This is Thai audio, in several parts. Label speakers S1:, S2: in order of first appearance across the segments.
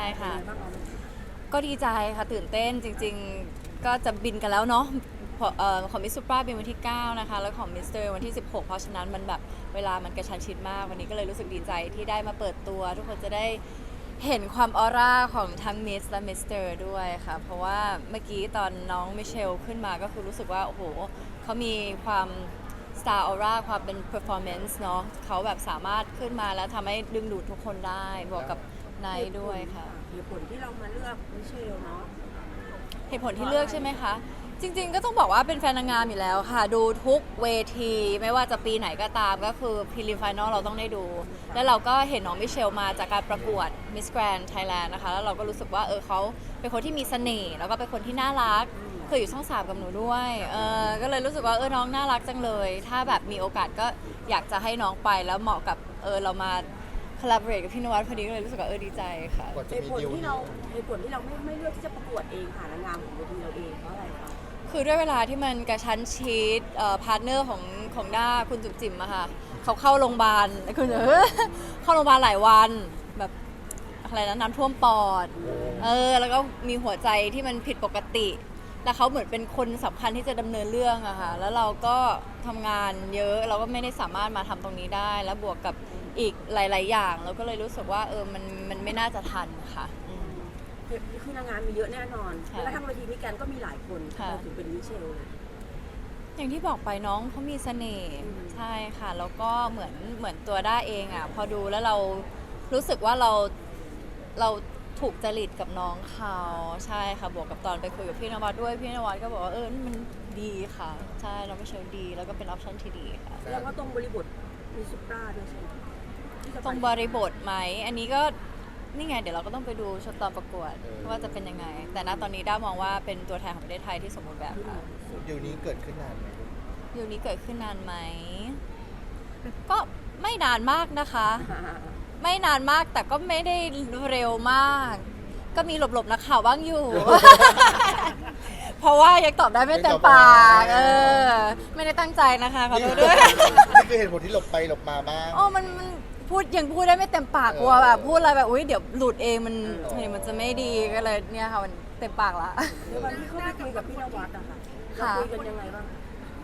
S1: ค่ะก็ดีใจค่ะตื่นเต้นจริงๆก็จะบินกันแล้วเนาะของมิสซูปราบินวันที่9นะคะแล้วของมิสเตอร์วันที่16เพราะฉะนั้นมันแบบเวลามันกระชั้นชิดมากวันนี้ก็เลยรู้สึกดีใจที่ได้มาเปิดตัวทุกคนจะได้เห็นความออร่าของทั้งมิสและมิสเตอร์ด้วยค่ะเพราะว่าเมื่อกี้ตอนน้องมิเชลขึ้นมาก็คือรู้สึกว่าโอ้โหเขามีความstar aura ความเป็น performance เนาะเขาแบบสามารถขึ้นมาแล้วทำให้ดึงดูดทุกคนได้บวกกับไนท์ด้วยค่ะ
S2: เหตุผลที่เรามาเลือกมิเชลเนาะ
S1: เหตุผลที่เลือกใช่ไหมคะจริงๆก็ต้องบอกว่าเป็นแฟนนางงามอยู่แล้วค่ะดูทุกเวทีไม่ว่าจะปีไหนก็ตามก็คือพรีลิมไฟนอลเราต้องได้ดูแล้วเราก็เห็นน้องมิเชลมาจากการประกวด Miss Grand Thailand นะคะแล้วเราก็รู้สึกว่าเขาเป็นคนที่มีเสน่ห์แล้วก็เป็นคนที่น่ารักเคยอยู่ช่อง3กับหนูด้วยก็เลยรู้สึกว่าน้องน่ารักจังเลยถ้าแบบมีโอกาสก็อยากจะให้น้องไปแล้วเหมาะกับเรามาcollaborate กับพี่นวัดพอดีก็เลยรู้สึกว่าดีใจค่ะ
S2: เหตุผลที่เราไม่เลือกที่จะประกวดเองค่ะนางงามของเวทีเราเองเพราะอะไรคะ
S1: คือด้วยเวลาที่มันกระชั้นชิดพาร์ทเนอร์ของด้าคุณจุ๋มจิ๋มอะค่ะเขาเข้าโรงพยาบาลคุณเข้าโรงพยาบาลหลายวันแบบอะไรนะน้ำท่วมปอดแล้วก็มีหัวใจที่มันผิดปกติแล้วเขาเหมือนเป็นคนสำคัญที่จะดำเนินเรื่องอะค่ะแล้วเราก็ทำงานเยอะเราก็ไม่ได้สามารถมาทำตรงนี้ได้แล้วบวกกับอีกหลายๆอย่างเราก็เลยรู้สึกว่ามันไม่น่าจะทันค่ะ
S2: คือนางงามมีเยอะแน่นอนแล้วทั้งเวทีมิแกนก็มีหลายคนเราถึงเป็นมิเชลเลย
S1: อย่างที่บอกไปน้องเขามีเสน่ห์ใช่ค่ะแล้วก็เหมือนตัวด้าเองอ่ะพอดูแล้วเรารู้สึกว่าเราถูกจริตกับน้องเขาใช่ค่ะบวกกับตอนไปคุยกับพี่นวัดด้วยพี่นวัดก็บอกว่ามันดีค่ะใช่เราไม่เชิงดีแล้วก็เป็นออปชั่นที่ดีค่ะ
S2: แล้วก็ตรงบริบทมีซุปราด้วยใช่ไหม
S1: ตรงบริบทไหมอันนี้ก็นี่ไงเดี๋ยวเราก็ต้องไปดูชุดตอนประกวดว่าจะเป็นยังไงแต่ณตอนนี้ด้ามองว่าเป็นตัวแทนของประเทศไทยที่สมบูรณ์แบบค่ะ
S3: อยู่นี้เกิดขึ้นนานไหม
S1: อยู่นี้เกิดขึ้นนานไหมก็ไม่นานมากนะคะไม่นานมากแต่ก็ไม่ได้เร็วมากก็มีหลบๆนักข่าวบ้างอยู่ เพราะว่ายังตอบได้ไม่เต็มปากไม่ได้ตั้งใจนะคะขอโทษด้วย
S3: นี่คือเหตุผลที่หลบไปหลบมาบ้าง
S1: มันยังพูดได้ไม่เต็มปากกลัวแบบพูดอะไรแบบอุ้ยเดี๋ยวหลุดเองมันจะไม่ดีก็เลยเนี่ยค่ะมันเต็มปากละ
S2: วันที่เขาไปคุยกับพี่นวัดอะค่ะคุยกันยังไงบ้าง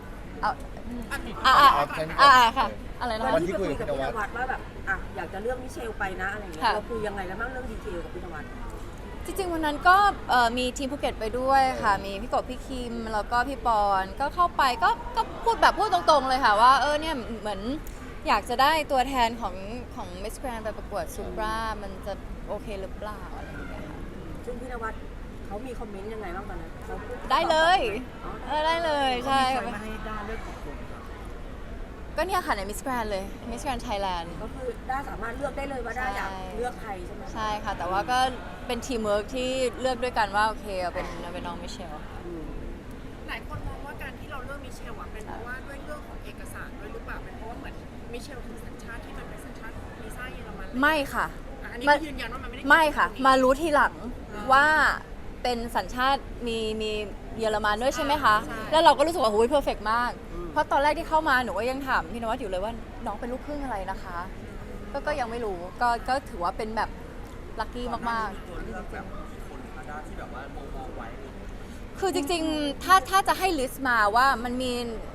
S1: ค่ะอะไรนะ
S2: วันที่คุยกับพี่นวัดว่าแบบอยากจะเลือกมิเชลไปนะอะไรอย่างเงี้ยเราคุยยังไงแล้วบ้างเรื่องดีเทลกับพี่นวัด
S1: จริงๆวันนั้นก็มีทีมภูเก็ตไปด้วยค่ะมีพี่กบพี่คิมแล้วก็พี่ปอนก็เข้าไปก็พูดตรงๆเลยค่ะว่าเนี่ยเหมือนอยากจะได้ตัวแทนของ Miss Grand ไปประกวดซูปรามันจะโอเคหรือเปล่าอะไรอย่างเงี้ยค่ะ
S2: ซึ่งพี่นวัดเขามีคอมเมนต์ยังไงบ้างตอนนั้น
S1: ได้เลยได้เลยใช่
S2: ค่ะให้ด้าเลือกคน
S1: ก็เนี่ยค่ะใน Miss Grand เลย Miss Grand Thailand
S2: ก็คือด้าสามารถเลือกได้เลยว่าด้าอยากเลือกใครใช่ไหม
S1: ใช่ค่ะแต่ว่าก็เป็นทีมเวิร์กที่เลือกด้วยกันว่าโอเคเป็นน้องมิเชล
S4: หลายคนมองว่าการที่เราเลือกมิเชลเป็นเพราะว่าด้วยเรื่องของเอกสารด้วยหรือเปล่าเป็นเพราะว่าเหมือนมิเชลคือสัญชาติที่มันเป็นสัญชาติของวีซ่าเยอรมัน
S1: ไม่ค่ะ
S4: อันนี้ยืนยันว่ามัน
S1: ไม่ค่ะมารู้ทีหลังว่าเป็นสัญชาติมีเยอรมันด้วยใช่ไหมคะแล้วเราก็รู้สึกว่าโอ้ยเพอร์เฟกต์มากเพราะตอนแรกที่เข้ามาหนูก็ยังถามพี่นวัดอยู่เลยว่าน้องเป็นลูกครึ่งอะไรนะคะก็ยังไม่รู้ก็ถือว่าเป็นแบบลัคกี้มากๆ
S5: ตัวเลือกแบบคนคาด้าที่แบบว่ามองไว้
S1: คือจริงๆถ้าจะให้ลิสต์มาว่ามันมี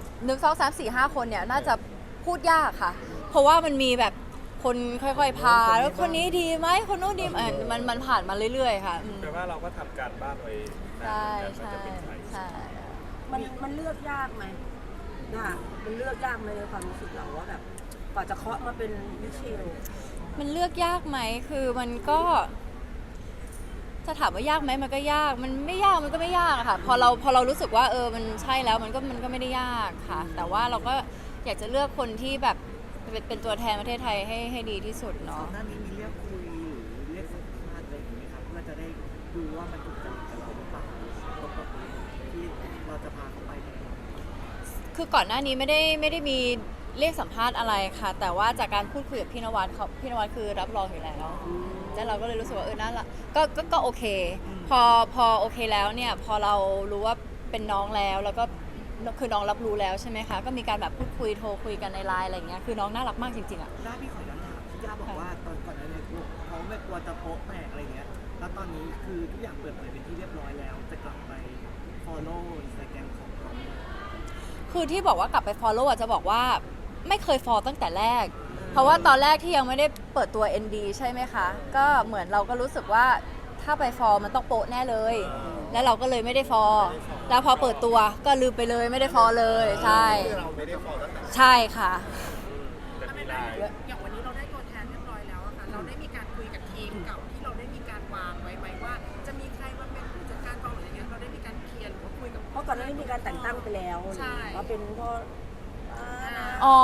S1: 1 2 3 4 5 คนเนี่ยน่าจะพูดยากค่ะเพราะว่ามันมีแบบคนค่อยๆพาแล้วคนนี้ดีไหมคนนู้นดีมันผ่านมาเรื่อยๆค่ะ
S5: แปลว่าเราก็ทำการบ้านไว้
S1: ใช่ใช่
S2: มันเลือกยากไหมมันเลือกยากไหมในความรู้สึกเราว่าแบบกว่าจะเคาะมาเป็นมิเชล
S1: มันเลือกยากไหมคือมันก็จะถามว่ายากไหมมันก็ยากมันไม่ยากมันก็ไม่ยากค่ะพอเรารู้สึกว่ามันใช่แล้วมันก็ไม่ได้ยากค่ะแต่ว่าเราก็อยากจะเลือกคนที่แบบเป็นตัวแทนประเทศไทยให้ดีที่สุดเนาะ
S6: หน้านี้มีเรียกคุยหรือเรียกสัมภาษณ์อะไรอย่างนี้ไหมครับเพื่อจะได้ดูว่ามันถูกจริตกับเราหรือเปล่าที่เราจะพาเขาไป
S1: คือก่อนหน้านี้ไม่ได้มีเรียกสัมภาษณ์อะไรค่ะแต่ว่าจากการพูดคุยกับพี่นวัดคือรับรองอยู่แล้วแล้วเราก็เลยรู้สึกว่าน่าละก็โอเคพอโอเคแล้วเนี่ยพอเรารู้ว่าเป็นน้องแล้วก็คือน้องรับรู้แล้วใช่ไหมคะก็มีการแบบพูดคุยโทรคุยกันในไลน์อะไรอย่างเงี้ยคือน้องน่ารักมากจริงๆอ่ะ
S6: ด้าพี่ขอย้อนถามพี่ย่าบอกว่าตอนก่อนนั้นเขาไม่กลัวจะโป๊ะแตกอะไรเงี้ยนี้คือทุกอย่างเปิดเผยเป็นที่เรียบร้อยแล้ว จะกลับไป follow Instagram ของเขาไหม
S1: คือที่บอกว่ากลับไป follow อ่ะจะบอกว่าไม่เคย follow ตั้งแต่แรก เพราะว่าตอนแรกที่ยังไม่ได้เปิดตัว ND ใช่ไหมคะ ก็เหมือนเราก็รู้สึกว่าถ้าไป follow มันต้องโป๊ะแน่เลย แล้วเราก็เลยไม่ได้ follow แล้วพอเปิดตัวก็ลืมไปเลยไม่ได้ follow เลยใช่
S3: เราไม่ได้ฟอลตั้งแต่
S1: ใช่ค่ะ
S5: แต่มีไลน์
S4: อย่างวันนี้เราได้ตัวแทนเรียบร้อยแล้วอะค่ะเราได้มีการคุยกับทีมเก่าที่เราได้มีการวางไว้ไหมว่า จะมีใครมาเป็นผู้จัดการกองหรืออย่างเงี้ยเราได้มีการเคลียร์หรือว่าคุยกับ
S2: เพราะก่อนหน้านี้มีการแต่งตั้งไปแล้ว
S4: ใช่
S2: ว่าเป็นพ่อ
S1: อ๋อ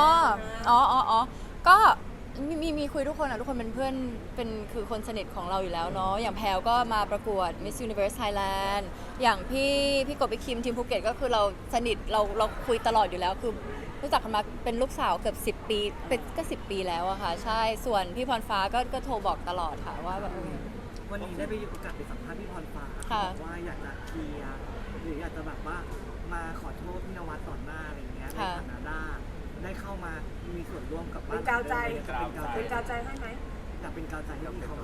S1: ก็มีคุยทุกคนอะทุกคนเป็นเพื่อนเป็นคือคนสนิทของเราอยู่แล้วเนาะอย่างแพลก็มาประกวด Miss Universe Thailand อย่างพี่กบพี่คิมทีมภูเก็ตก็คือเราสนิทเราคุยตลอดอยู่แล้วคือรู้จักกันมาเป็นลูกสาวเกือบ10 ปีเป็นก็10 ปีแล้วอะค่ะใช่ส่วนพี่พรฟ้าก็โทรบอกตลอดค่ะว่าแบบ
S6: วันนี้ได้ไปโอกาสไปสัมภาษณ์พี่พรฟ้า
S1: ค่ะ
S6: บอกว่าอยากจะเคลียร์หรืออยากจะแบบว่ามาขอโทษพี่นวัดต่อหน้าอะไรอย่างเงี้ยในฐานะได้เข้ามามีส่วนร่วมกับบ้าน
S2: เป็นกาวใจ
S6: เป็นกาวใจ
S2: เป็นกาวใจให้ไหม
S6: อยากเป็นกาวใจให้พี่เขา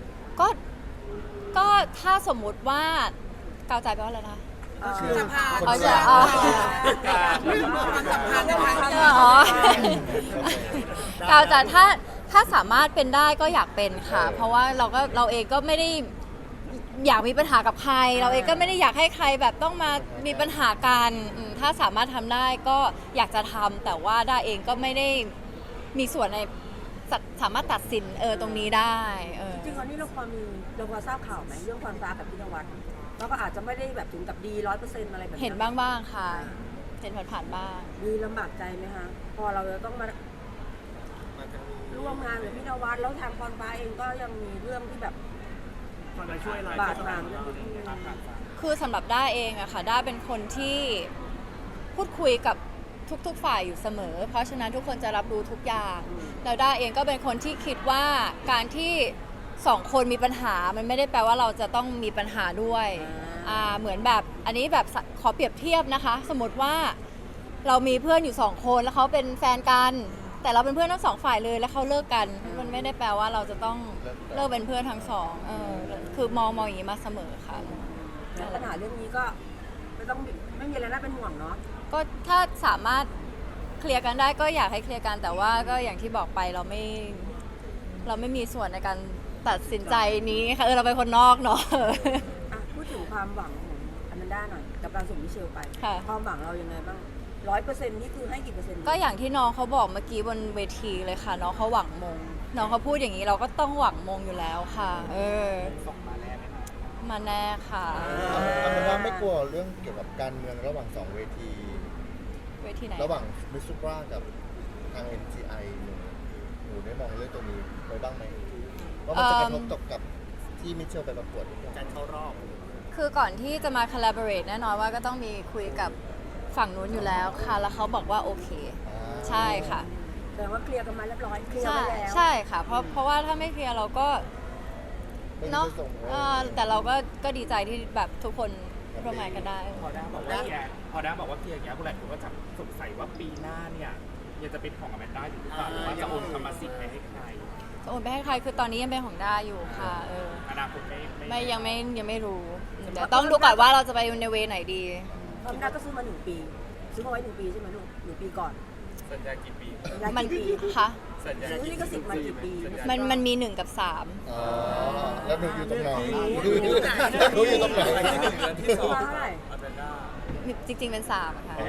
S1: ก็ถ้าสมมุติว่ากาวใจแปลว่าอะไรนะ
S4: สภา
S1: อ๋อจะอ๋อ
S4: ความสัมพันธ์นะคะ
S1: อ๋อกาวจะถ้าสามารถเป็นได้ก็อยากเป็นค่ะ เพราะว่าเราเองก็ไม่ได้อยากมีปัญหากับใคร เราเองก็ไม่ได้อยากให้ใครแบบต้องมามีปัญหากันถ้าสามารถทำได้ก็อยากจะทำแต่ว่าด้าเองก็ไม่ได้มีส่วนในสามารถตัดสินตรงนี้ได้
S2: จริงๆตอนนี้เราพอทราบข่าวไหมเรื่องความรักกับพี่นวัดแล้วก็อาจจะไม่ได้แบบถึงกับดี100%อะไรแบบนั้น
S1: เห็นบ้างค่ะ เห็นผ่านๆบ้าง
S2: ดีลำบากใจไหมคะพอเราจะต้องมาร่วมงานกับพี่นวัดแล้วทางพรฟ้าเองก็ยังมีเรื่องที่แบบ
S6: คนมาช่วยเรา
S2: บาดหมางเรื่องนี้
S1: คือสำหรับด้าเองอะค่ะด้าเป็นคนที่พูดคุยกับทุกๆฝ่ายอยู่เสมอ เพราะฉะนั้นทุกคนจะรับรู้ทุกอย่างแล้วด้าเองก็เป็นคนที่คิดว่าการที่สองคนมีปัญหามันไม่ได้แปลว่าเราจะต้องมีปัญหาด้วยเหมือนแบบอันนี้แบบขอเปรียบเทียบนะคะ สมมติว่าเรามีเพื่อนอยู่2 คนแล้วเขาเป็นแฟนกัน แต่เราเป็นเพื่อนทั้ง2 ฝ่ายเลยแล้วเขาเลิกกัน มันไม่ได้แปลว่าเราจะต้องเลิกเป็นเพื่อนทั้งสองคือมองอย่างนี้มาเสมอค่ะ
S2: ปัญหาเรื่องนี้ก็ไม่มีอะไรน่าเป็นห่วงเนาะ
S1: ก็ถ้าสามารถเคลียร์กันได้ก็อยากให้เคลียร์กันแต่ว่าก็อย่างที่บอกไปเราไม่มีส่วนในการตัดสินใจนี้ค่ะเราเป็นคนนอกเนาะ
S2: พูดถึงความหวังของอแมนด้าหน่อยกับการส่งมิเชลไป
S1: ค่ะ
S2: ความหวังเรายังไงบ้าง100%นี่คือให้กี่เปอร์เซ็นต์
S1: ก็อย่างที่น้องเขาบอกเมื่อกี้บนเวทีเลยค่ะน้องเขาหวังมงน้องเขาพูดอย่างนี้เราก็ต้องหวังมงอยู่แล้วค่ะ
S5: ส่งมาแน่ไหมคะ
S1: มาแน่ค่ะ
S3: เอาเป็นว่าไม่กลัวเรื่องเกี่ยวกับการเมืองระหว่าง2 เวที
S1: เวทีไหน
S3: ระหว่างมิสซูปรากับทาง NCI หนูได้มองเรื่องตัวนี้ไว้บ้างไหมว่ามันจะกระทบกับที่มิเชลไปประกวดหรือเปล่า
S5: การเข้ารอบ
S1: คือก่อนที่จะมา collaborate แน่นอนว่าก็ต้องมีคุยกับฝั่งนู้นอยู่แล้วค่ะ แล้วเขาบอกว่าโอเค ใช่ค่ะ
S2: แต่ว่าเคลียร์กันมาเรียบร้อยเคลียร์
S1: ใช่
S2: ไปแล้ว
S1: ใช่ค่ะ เพราะว่าถ้าไม่เคลียร์เราก็
S3: ไม่
S1: เนาะ
S3: ได้ส่ง
S1: แต่เราก็ดีใจที่แบบทุกคนร่วมงานกันได้
S5: พอด้าบอกว่าเคลียร์พอด้าบอกว่าเคลียร์อย่างเงี้ยผู้หลายคนก็จะสงสัยว่าปีหน้าเนี่ยยังจะเป็นของอแมนด้าอยู่หรือเปล่าหรือว่าจะโอนกรรมสิทธิ์ไปให้ใคร
S1: จะโอนไปให้ใครคือตอนนี้ยังเป็นของด้าอยู่ค่ะ
S5: อนาคต
S1: ยังไม่รู้เดี๋ยวต้องดูก่อนว่าเราจะไปในเวไหนดี
S2: อแมนด้าก็ซื้อมา1 ปีซื้อมาไว้1 ปีใช่ไหมลูก1 ปีก่อน
S5: สัญญากี่ปี
S1: มัน
S2: กี่ปี
S1: ค่ะ
S5: สัญญา
S2: ซื้อลิขสิทธิ์มากี่ปี
S1: มันมี1 กับ
S3: อ๋อแล้วหนูอยู่ตรงไหนหนูอยู่ตรงไหน
S2: ซื้อมาเท่าไหร่
S5: อแมนด้า
S1: 3จริงๆเป็น3ค่ะ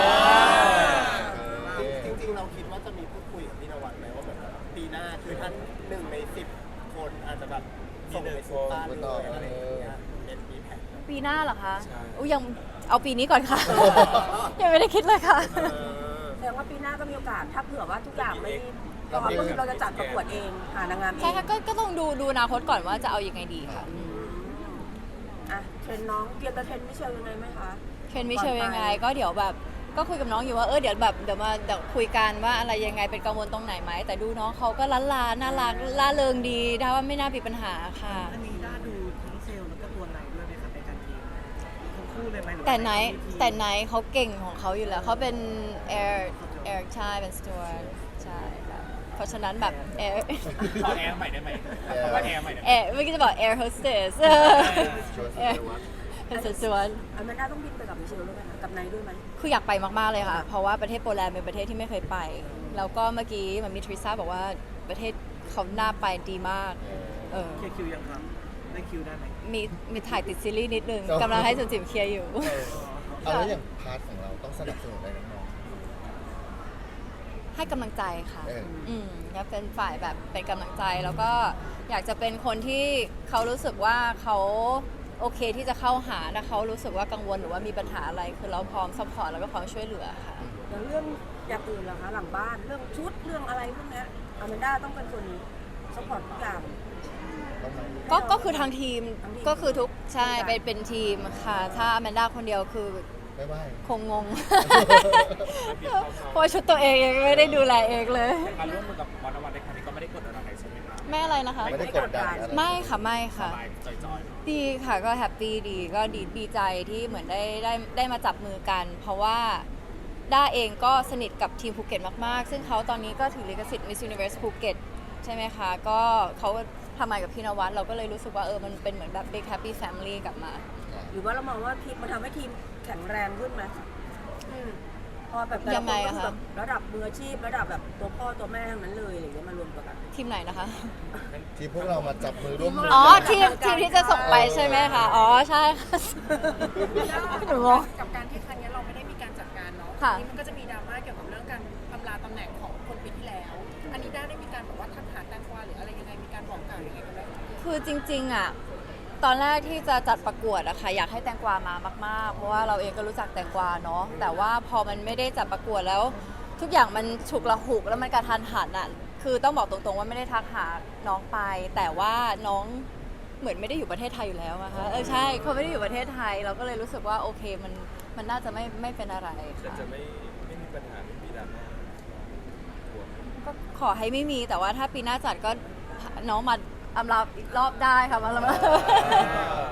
S7: จริงๆ เราคิดว่าจะมีพูดคุยกับพี่นวัดไหมว่าแบบปีหน้าคือท่าน1 ใน 10 คนอาจจะแบบส่งไปสู่บ้านเลยอะไรอย่างเงี้ยเป็นมีแผน
S1: ปีหน้าเหรอคะยังเอาปีนี้ก่อนค่ะ ยังไม่ได้คิดเลยค่ะ
S2: แสดงว่าปีหน้าก็มีโอกาสถ้าเผื่อว่าทุกอย่างไม่พร้อมก็คือเราจะจัดประกวดเองหานางงามเอ
S1: ใช่
S2: ง
S1: ค่ะก็ต้องดูอนาคตก่อนว่าจะเอายังไงดีค่ะ
S2: เทรนน้องเตรียมจะเทรนมิเชลยังไงไหมคะ
S1: เทรนมิเชลยังไงก็เดี๋ยวแบบก็คุยกับน้องอยู่ว่าเดี๋ยวคุยกันว่าอะไรยังไงเป็นกังวลตรงไหนไหมแต่ดูน้องเขาก็ล้านลาน่ารักล่าเริงดีถ้าว่าไม่น่ามีปัญหาค่ะ
S6: อันนี้ด้าดูทั้งเซลล์แล้วก็ตัวไหนด้วยไหมครับในการทีมทั้งคู่เลยไหมหรือว่า
S1: แต่ไหน
S6: ใน
S1: เขาเก่งของเขาอยู่แล้วเขาเป็นแอร์ใช่เป็นสจวตใช่ค่ะเพราะฉะนั้นแบบแอร์
S5: ขอแอร์ใหม่ได้ไหมเพราะว่าแอร์ใหม่ได้ไหม
S1: แอร์เมื่อกี้จะบอก air hostess แอร์ hostess สวน
S2: อแมนด้าต้องบินไปกับมิเชลด้วยไหมคะกับไนท์ด้วยไหม
S1: คืออยากไปมาก ๆ เลยค่ะ เพราะว่าประเทศโปแลนด์เป็นประเทศที่ไม่เคยไป แล้วก็เมื่อกี้มันมีทริซ่าบอกว่าประเทศเขาน่าไปดีมาก เออ
S6: เคลียร์คิวยังครับได้คิวได้ไหม
S1: มีถ่ายติดซีรีส์นิดนึงกำลังให้จุนจิ๋มเคลียร์อยู่
S3: เอาแล้วอย่างพาร์ทของเราต้องสนับสนุนอะไรน้อง
S1: ให้กำลังใจค่ะ
S3: เออ
S1: แล้วเป็นฝ่ายแบบเป็นกำลังใจ แล้วก็อยากจะเป็นคนที่เขารู้สึกว่าเขาโอเคที่จะเข้าหาถ้าเขารู้สึกว่ากังวลหรือว่ามีปัญหาอะไร คือเราพร้อมซัพพอร์ตแล้วก็พร้อมช่วยเหลือค่ะ
S2: อย่างเรื่องอย่างอื่นล่ะคะหลังบ้านเรื่องชุดเรื่องอะไรพวกเนี้ยอแมนด้าต้องเป็นคนซัพพอร์ตทุกอย่าง
S3: ๆต้องไหม
S1: ก็คือทางทีม
S2: ทั้งทีม
S1: ก็คือทุกใช่เป็นทีมค่ะ ถ้าแมนด้าคนเดียวคือ
S3: ไม่ไหว
S1: คงงง เพราะว่าชุดตัวเองยังไม่ได้ดูแลเองเลย
S5: การร่วมมือกับมอนวันในครั้งนี้ก็ไม่ได้กดอะไรใช่ไหมครับ
S1: ไม่อะไรนะคะ
S3: ไม่ได้กดดันอะไร
S1: ไม่ค่ะไม่
S5: ส
S1: ค่ะ
S5: บายจอยๆ
S1: ดีค่ะก็แฮปปี้ดีก็ดีใจที่เหมือนได้มาจับมือกัน เพราะว่าด้าเองก็สนิทกับทีมภูเก็ตมากๆ ซึ่งเขาตอนนี้ก็ถือลิขสิทธิ์ Miss Universe ภูเก็ตใช่ไหมคะ ก็เขาทำงานกับพี่นวัดเราก็เลยรู้สึกว่ามันเป็นเหมือนแบบ big happy family กลับมา
S2: หรือว่าเรามองว่าทีมมันทำให้ทีมแข็งแรงขึ้นไหมพอแบบแต่ละ
S1: ยัง
S2: ค
S1: ไง
S2: นก็
S1: อะ
S2: คือ
S1: คะ
S2: แบบระดับมืออาชีพระดับแบบตัวพ่อตัวแม่ทั้งนั้นเลยอะไรอย่างเงี้ยมารวมกัน
S1: ทีมไหนนะคะ
S3: ทีมพวกเรามาจับมือร่วมมือ
S1: อ๋อทีมที่จะส่งไปใช่ไหมคะ อ๋อใช่ค่ะ หนูงง
S4: กับการที่ครั้งนี้เราไม่ได้มีการจัดการเนาะ
S1: ค่ะ
S4: ทีนี้มันก็จะมีดราม่าเกี่ยวกับเรื่องการอำลาตำแหน่งของคนปีที่แล้ว อันนี้ได้มีการแบบว่าทักหาแตงกวาหรืออะไรยังไงมีการบอกกล่าวยังไงกันไหม
S1: คือจริงๆอ่ะตอนแรกที่จะจัดประกวดอะค่ะอยากให้แตงกวามามากๆ เพราะว่าเราเองก็รู้จักแตงกวาเนาะแต่ว่าพอมันไม่ได้จัดประกวดแล้ว ทุกอย่างมันฉุกละหุกแล้วมันกระทันหันอะคือต้องบอกตรงๆว่าไม่ได้ทักหาน้องไป แต่ว่าน้องเหมือนไม่ได้อยู่ประเทศไทยอยู่แล้วนะคะใช่เขาไม่ได้อยู่ประเทศไทย เราก็เลยรู้สึกว่าโอเคมันน่าจะไม่เป็นอะไรค่ะ
S8: จะไม่มีปัญหาไม่มีดราม่า
S1: ก็ขอให้ไม่มีแต่ว่าถ้าปีหน้าจัดก็น้องมาอำลาอีกรอบได้ค่ะมา